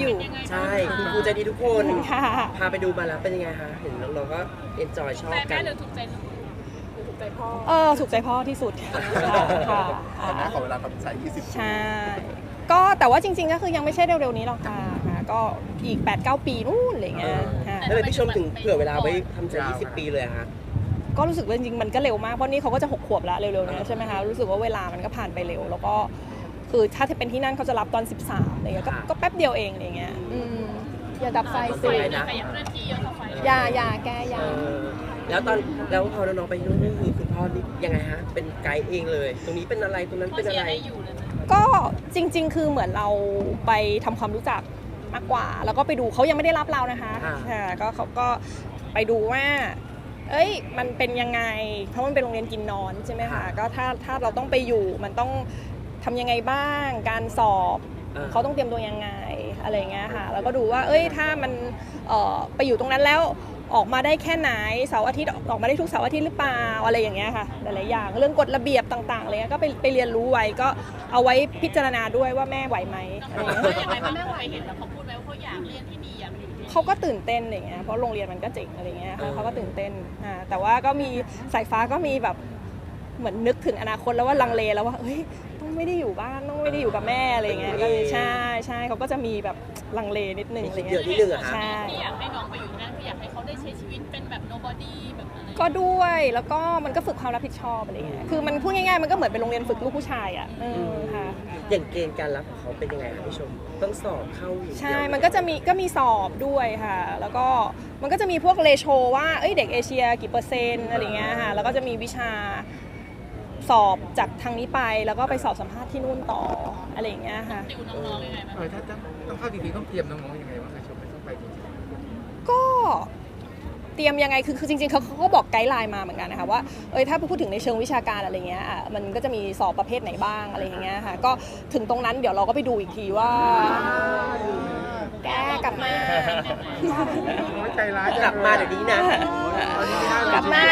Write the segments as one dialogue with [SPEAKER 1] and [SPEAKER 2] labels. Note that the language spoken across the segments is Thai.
[SPEAKER 1] อยู่
[SPEAKER 2] ใช่คุณครูใจดีทุกคน
[SPEAKER 1] ค่ะ
[SPEAKER 2] พาไปดูมาแล้วเป็นยังไงคะเห็นน้องๆก็เอนจอยชอบกัน
[SPEAKER 3] ถูกใจพ่อ
[SPEAKER 1] ถูกใจพ่อที่สุดค่ะ
[SPEAKER 4] แม่ขอเวลาตัดสินใจ20
[SPEAKER 1] ใช่ก็แต่ว่าจริงๆก็คือยังไม่ใช่เร็วๆนี้หรอกค่ะก็อีก 8-9 ปีนู่นอะไรเงี้ย
[SPEAKER 2] แล้วทำไมพี่ชมถึงเผื่อเวลาไว้ทำใจ20 ปีเลยอะคะ
[SPEAKER 1] ก็รู้สึกว่าจริงๆมันก็เร็วมากเพราะนี่เขาก็จะ6 ขวบแล้วเร็วๆนี้ใช่ไหมคะรู้สึกว่าเวลามันก็ผ่านไปเร็วแล้วก็คือถ้าเป็นที่นั่นเขาจะรับตอน13อะไรเงี้ยก็แป๊บเดียวเองอะไรเงี้ยอย่าดับไฟสิอย่าแกอย่า
[SPEAKER 2] แล้วพอน้องๆไปนู่นนี่คือคุณพ่อนี่ยังไงฮะเป็นไกด์เองเลยตรงนี้เป็นอะไรตรงนั้นเป็นอะไร
[SPEAKER 1] ก็จริงๆคือเหมือนเราไปทำความรู้จักมากกว่าแล้วก็ไปดูเขายังไม่ได้รับเรานะคะก็เขาก็ไปดูว่ามันเป็นยังไงเพราะมันเป็นโรงเรียนกินนอนใช่ไหมคะก็ถ้าเราต้องไปอยู่มันต้องทำยังไงบ้างการสอบเขาต้องเตรียมตัวยังไงอะไรเงี้ยค่ะแล้วก็ดูว่าถ้ามันไปอยู่ตรงนั้นแล้วออกมาได้แค่ไหนเสาร์อาทิตย์ออกมาได้ทุกเสาร์อาทิตย์หรือเปล่าอะไรอย่างเงี้ยค่ะหลายๆอย่างเรื่องกฎระเบียบต่างๆอะไรเงี้ยก็ไปเรียนรู้ไว้ก็เอาไว้พิจารณาด้วยว่าแม่ไหวไหมอะไรเงี้ย
[SPEAKER 3] ยังไงแม่ไหวเห็นแล้วเขาพูดไหมว่าเขาอยากเรียนที่ดีอยากอยู่ที่
[SPEAKER 1] เขาก็ตื่นเต้นอะไรเงี้ยเพราะโรงเรียนมันก็เจ๋งอะไรเงี้ยเขาก็ตื่นเต้นแต่ว่าก็มีสายฟ้าก็มีแบบเหมือนนึกถึงอนาคตแล้วว่าลังเลแล้วว่าต้องไม่ได้อยู่บ้านต้องไม่ได้อยู่กับแม่อะไรเงี้ยก็ใช่เขาก็จะมีแบบลังเลนิดนึงอะไรเงี้ย
[SPEAKER 2] ใช่
[SPEAKER 3] ที่อยากให้น้องไปอยู่นั่นคืออยากให้เขาได้ใช้ชีวิตเป็นแบบ nobody แบบอะไร
[SPEAKER 1] ก็ด้วยแล้วก็มันก็ฝึกความรับผิดชอบอะไรเงี้ยคือมันพูดง่ายๆมันก็เหมือนเป็นโรงเรียนฝึกลูกผู้ชายอ่ะค่ะ
[SPEAKER 2] อย่างเกณฑ์การรับของเขาเป็นยังไงคะพี่ชมต้องสอบเข้า
[SPEAKER 1] ใช่มันก็มีสอบด้วยค่ะแล้วก็มันก็จะมีพวกเรโชว่าเด็กเอเชียกี่เปอร์เซ็นต์อะไรเงี้ยค่ะแล้วก็จะมีวิชาสอบจากทางนี้ไปแล้วก็ไปสอบสัมภาษณ์ที่นู่นต่ออะไรอย่างเงี้ยค่ะ
[SPEAKER 3] ติวน้องๆยังไงบ้าง
[SPEAKER 4] ถ้าต้องเข้าจริงๆต้องเตรียมน้องๆยังไงบ้างคะชมไม่ต้องไปจริง
[SPEAKER 1] ๆก็เตรียมยังไงคือจริงๆเขาก็บอกไกด์ไลน์มาเหมือนกันนะคะว่าถ้าพูดถึงในเชิงวิชาการอะไรเงี้ยมันก็จะมีสอบประเภทไหนบ้างอะไรอย่างเงี้ยค่ะก็ถึงตรงนั้นเดี๋ยวเราก็ไปดูอีกทีว่าแกกลับมา
[SPEAKER 4] ใจร้าย
[SPEAKER 2] กลับมาเดี๋ยวนี้นะ
[SPEAKER 1] กลับมา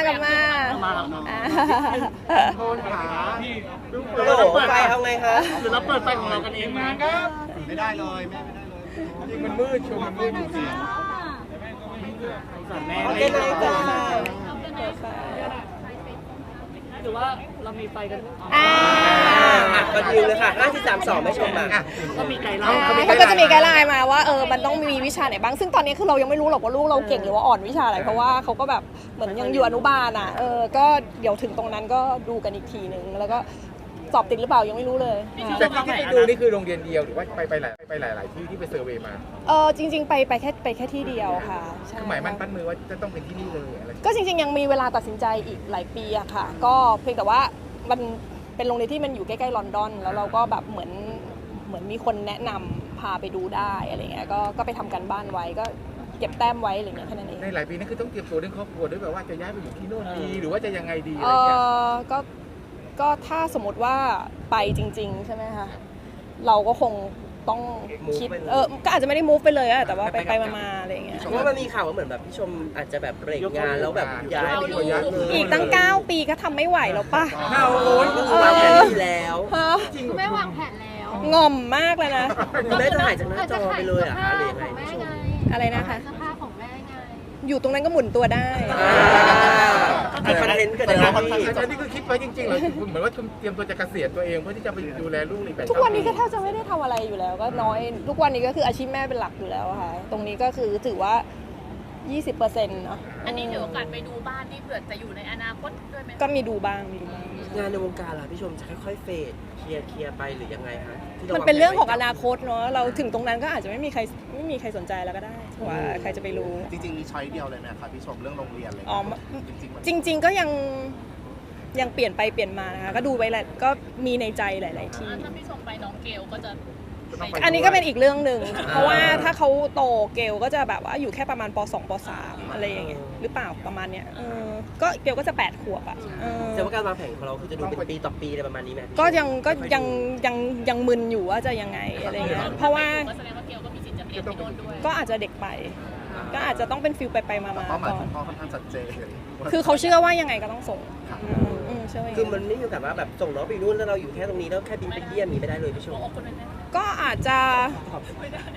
[SPEAKER 4] โทษขา
[SPEAKER 2] โอ้โหไฟเอาไงคะ
[SPEAKER 4] หรือเราเปิดไฟของเรากันเองมาครับไม่ได้เลยแม่ไม่ได้เลยจริงมันมืดชมมันมืดจริง
[SPEAKER 2] แม่ไม่ได้
[SPEAKER 3] หรือว่าเรามีไฟกัน
[SPEAKER 2] ก็ยืนเลยค่ะ5-3-2ไม่ชมมา
[SPEAKER 3] ก็มีไกด์ไลน์
[SPEAKER 1] เขาก็จะมีไกด์ไลน์มาว่ามันต้องมีวิชาไหนบ้างซึ่งตอนนี้คือเรายังไม่รู้หรอกว่าลูกเราเก่งหรือว่าอ่อนวิชาอะไรเพราะว่าเขาก็แบบเหมือนยังอยู่อนุบาลก็เดี๋ยวถึงตรงนั้นก็ดูกันอีกทีนึงแล้วก็สอบติดหรือเปล่ายังไม่รู้เลย
[SPEAKER 4] แต่ที่ไปดูนี่คือโรงเรียนเดียวหรือว่าไปหลายที่ที่ไปเซอร์เวย์มา
[SPEAKER 1] จริงๆไปแค่ที่เดียวค่ะ
[SPEAKER 4] คือหมายมั่นปั้นมือว่าจะต้องเป็นที่นี่เลยอะไร
[SPEAKER 1] ก็จริงๆยังมีเวลาตัดสินใจอีกหลายปีอะค่ะก็เพียงแต่ว่ามันเป็นโรงเรียนที่มันอยู่ใกล้ๆลอนดอนแล้วเราก็แบบเหมือนมีคนแนะนำพาไปดูได้อะไรเงี้ยก็ไปทำกันบ้านไว้ก็เก็บแต้มไว้อะไรเงี้ยแค่นั้นเอง
[SPEAKER 4] ในหลายปีนี่คือต้องเตรียมตัวเรื่องครอบครัวด้วยแบบว่าจะย้ายไปอยู่ที่โน่นดีหรือว่าจะยังไงดีอะไรเงี้ย
[SPEAKER 1] ก็ถ้าสมมติว่าไปจริงๆใช่ไหมคะเราก็คงต้องคิดก็อาจจะไม่ได้ move ไปเลยอะแต่ว่าไปมาอะไรอย่างเงี้ย
[SPEAKER 2] เพราะว่ามันมีข่าวว่าเหมือนแบบพี่ชมอาจจะแบบเบรกงานแล้วแบบย้ายไปอยู่
[SPEAKER 1] อีกตั้ง9 ปีก็ทำไม่ไหวแล้วป่ะ
[SPEAKER 2] ก็คือวางแผนดีแล้ว
[SPEAKER 3] จริงคุณแม่วางแผนแล้ว
[SPEAKER 1] งอมมากเลยนะ
[SPEAKER 2] คุณแม่จะหายจากหน้าจอไปเลยอะคะหรือยังไงพี่ชม
[SPEAKER 1] อะไรนะคะ
[SPEAKER 3] สภาพของแม่ไง
[SPEAKER 1] อยู่ตรงนั้นก็หมุนตัวได้
[SPEAKER 2] คอนเทนต์กัน
[SPEAKER 4] นะนี่คือคิดไว้จริงๆเหรอเหมือนว่าเตรียมตัวจะเกษียณตัวเองเพื่อที่จะไปดูแลลูกอีก
[SPEAKER 1] ทุกวันนี้ก็แทบจะไม่ได้ทำอะไรอยู่แล้วก็น้อยทุกวันนี้ก็คืออาชีพแม่เป็นหลักอยู่แล้วค่ะตรงนี้ก็คือถือว่า 20%เนาะ
[SPEAKER 3] อันนี้ถือโอกาสไปดูบ้านที่เผื่อจะอยู่ในอนาคตด้วยไหม
[SPEAKER 1] ก็มีดูบ้าง
[SPEAKER 2] งานในวงการล่ะพี่ชมจะค่อยๆเฟดเคลียร์ไปหรือยังไงคะ
[SPEAKER 1] มันเป็นเรื่องของอนาคตเนาะเราถึงตรงนั้นก็อาจจะไม่มีใครสนใจแล้วก็ได้ว่าใครจะไปรู้
[SPEAKER 4] จริงๆมีช้อยเดียวเลยไหมคะพี่ชมเรื่องโรงเรียนเลย
[SPEAKER 1] จริงก็ยังเปลี่ยนไปเปลี่ยนมานะคะก็ดูไปแหละก็มีในใจหลายๆที่
[SPEAKER 3] ถ้าพี่ชมไปน้องเกลก็จะ
[SPEAKER 1] อันนี้ก็เป็นอีกเรื่องหนึ่งเพราะว่าถ้าเขาโตเกลก็จะแบบว่าอยู่แค่ประมาณป.2 ป.3 อะไรอย่างเงี้ยหรือเปล่าประมาณเนี้ยก็เกลก็จะ8 ขวบอ่ะ
[SPEAKER 2] แต่ว่าการวางแผนของเราคือจะดูเป็นปีต่อปีอะไรประมาณนี้ไหม
[SPEAKER 1] ก็ยังมึนอยู่ว่าจะยังไงอะไรเงี้ยเพราะว่า
[SPEAKER 3] แสดงว่าเกลก็มีสิทธิ์จะเรียนที่โน่นด้วย
[SPEAKER 1] ก็อาจจะเด็กไปก็อาจจะต้องเป็นฟิลไปมา
[SPEAKER 4] ก่อนพ่อค่อนข้างชัดเจน
[SPEAKER 1] คือเขาเชื่อว่ายังไงก็ต้องส่ง
[SPEAKER 2] คือมันไม่มีโอกาสว่าแบบส่งน้องไปนู่นแล้วเราอยู่แค่ตรงนี้แล้วแค่บินไปเยี่ยมนี้ไม่ได้เลยพี่ชม
[SPEAKER 1] ก็อาจจะ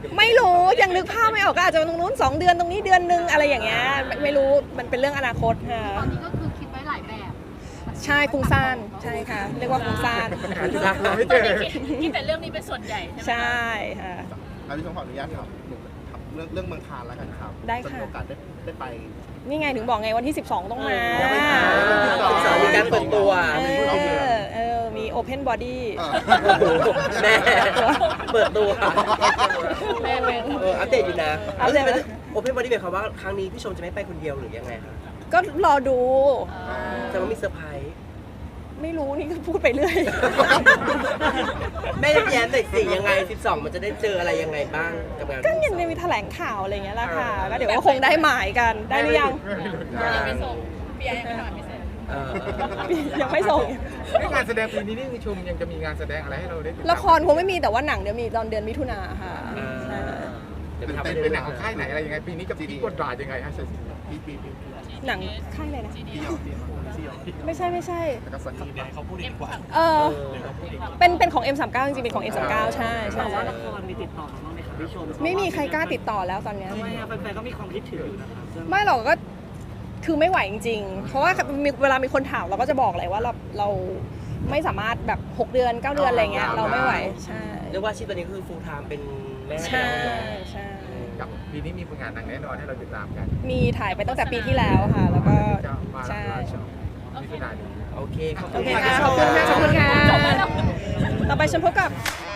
[SPEAKER 1] ไม่รู้ยังนึกภาพไม่ออกก็อาจจะตรงนู้น2 เดือนตรงนี้เดือนนึงอะไรอย่างเงี้ยไม่รู้มันเป็นเรื่องอนาคตค่ะ
[SPEAKER 5] ตอนนี้ก็คือคิดไว้หลายแบบ
[SPEAKER 1] ใช่ฟุ้งซ่านใช่ค่ะ เรียกว่าฟุ้งซ่าน
[SPEAKER 4] เราไม่เจอ
[SPEAKER 3] คิดแต่เรื่องนี้เป็นส่วนใหญ่ใช่ไหม
[SPEAKER 1] ใช่ค่ะ
[SPEAKER 6] พี่ชมขออนุญาตถามเรื่องเมืองคานแล้วกันครับ
[SPEAKER 1] ได้ค่ะ
[SPEAKER 6] จมีโอกาสได้ไป
[SPEAKER 1] นี่ไงถึงบอกไงวันที่ 12 ต้องมา
[SPEAKER 6] ยังไม่มา
[SPEAKER 2] 12มีการเปิดตัว
[SPEAKER 1] มีโอเพนบอดี้
[SPEAKER 2] แม่เปิดตัว
[SPEAKER 3] แม่เป็น
[SPEAKER 2] อัปเดตอยู่นะ
[SPEAKER 1] อัปเดต
[SPEAKER 2] โอเพนบอดี้หมายความว่าครั้งนี้พี่ชมจะไม่ไปคนเดียวหรือยังไงคะ
[SPEAKER 1] ก็รอดู
[SPEAKER 2] แต่ว่ามีเซอร์ไพรส์
[SPEAKER 1] ไม่รู้นี่ก็พูดไปเรื่อย
[SPEAKER 2] แม่จะแย้มหน่อยสิยังไง 12 มันจะได้เจออะไรยังไงบ้างกับงาน
[SPEAKER 1] ก็ยังมีแถลงข่าวอะไรอย่างเงี้ยแหละค่ะก็เดี๋ยวก็คงได้หมายกันได้หรือยัง
[SPEAKER 3] ยังไม่ส่งเบียร์ยังไม่นอนไม่เสร็จ
[SPEAKER 1] ยังไม่ส่ง
[SPEAKER 4] งานแสดงปีนี้นี่ชมยังจะมีงานแสดงอะไรให้เราได้ติดตาม
[SPEAKER 1] ละครคงไม่มีแต่ว่าหนังเดี๋ยวมีตอนเดือนมิถุนาค่ะใช่
[SPEAKER 4] เป็นหนังของค่ายไหนอะไรยังไงปีนี้กับพี่กดดรายังไงฮะ
[SPEAKER 1] หนังค่ายอะไรนะ
[SPEAKER 6] ที่ยอมที่ยอม
[SPEAKER 1] ไม่ใใช่
[SPEAKER 6] แล้วก็ซันนี่เขาพูดดีกว่า
[SPEAKER 1] เป็นของ M39 จริงๆเป็นของ M39 ใช่ใช่
[SPEAKER 7] ว่าละครมีติดต่อมาบ้างไหมคะพี่ชม
[SPEAKER 1] ไม่มีใครกล้าติดต่อแล้วตอนเนี้ย
[SPEAKER 7] ทำไมอะแฟนๆก็มีความคิดถึงอยู่นะคะ
[SPEAKER 1] ไม่หรอกก็คือไม่ไหวจริงๆ เพราะว่าเวลามีคนถามเราก็จะบอกเลยว่าเราไม่สามารถแบบ6 เดือน 9 เดือนอะไรเงี้ยเราไม่ไหวใช่
[SPEAKER 2] เรียกว่าอาชีพตอนนี้คือ full time เป็นแม่
[SPEAKER 1] ใช่ใช่
[SPEAKER 4] กับปีนี้มีผลงานหนังแน่นอนให้เราติดตามกัน
[SPEAKER 1] มีถ่ายไปตั้งแต่ปีที่แล้วค่ะ แล้วก็
[SPEAKER 4] มา
[SPEAKER 1] ใช่
[SPEAKER 4] มิถุนายน
[SPEAKER 2] โอเคขอบ
[SPEAKER 1] โอ
[SPEAKER 2] คุณ
[SPEAKER 1] เค
[SPEAKER 2] ค่ะ
[SPEAKER 1] ค่ะขอบคุณค่ะขอบคุณค่ะ
[SPEAKER 3] จบแล้วเนอะ
[SPEAKER 1] ต่อไปฉันพบกับ
[SPEAKER 6] เ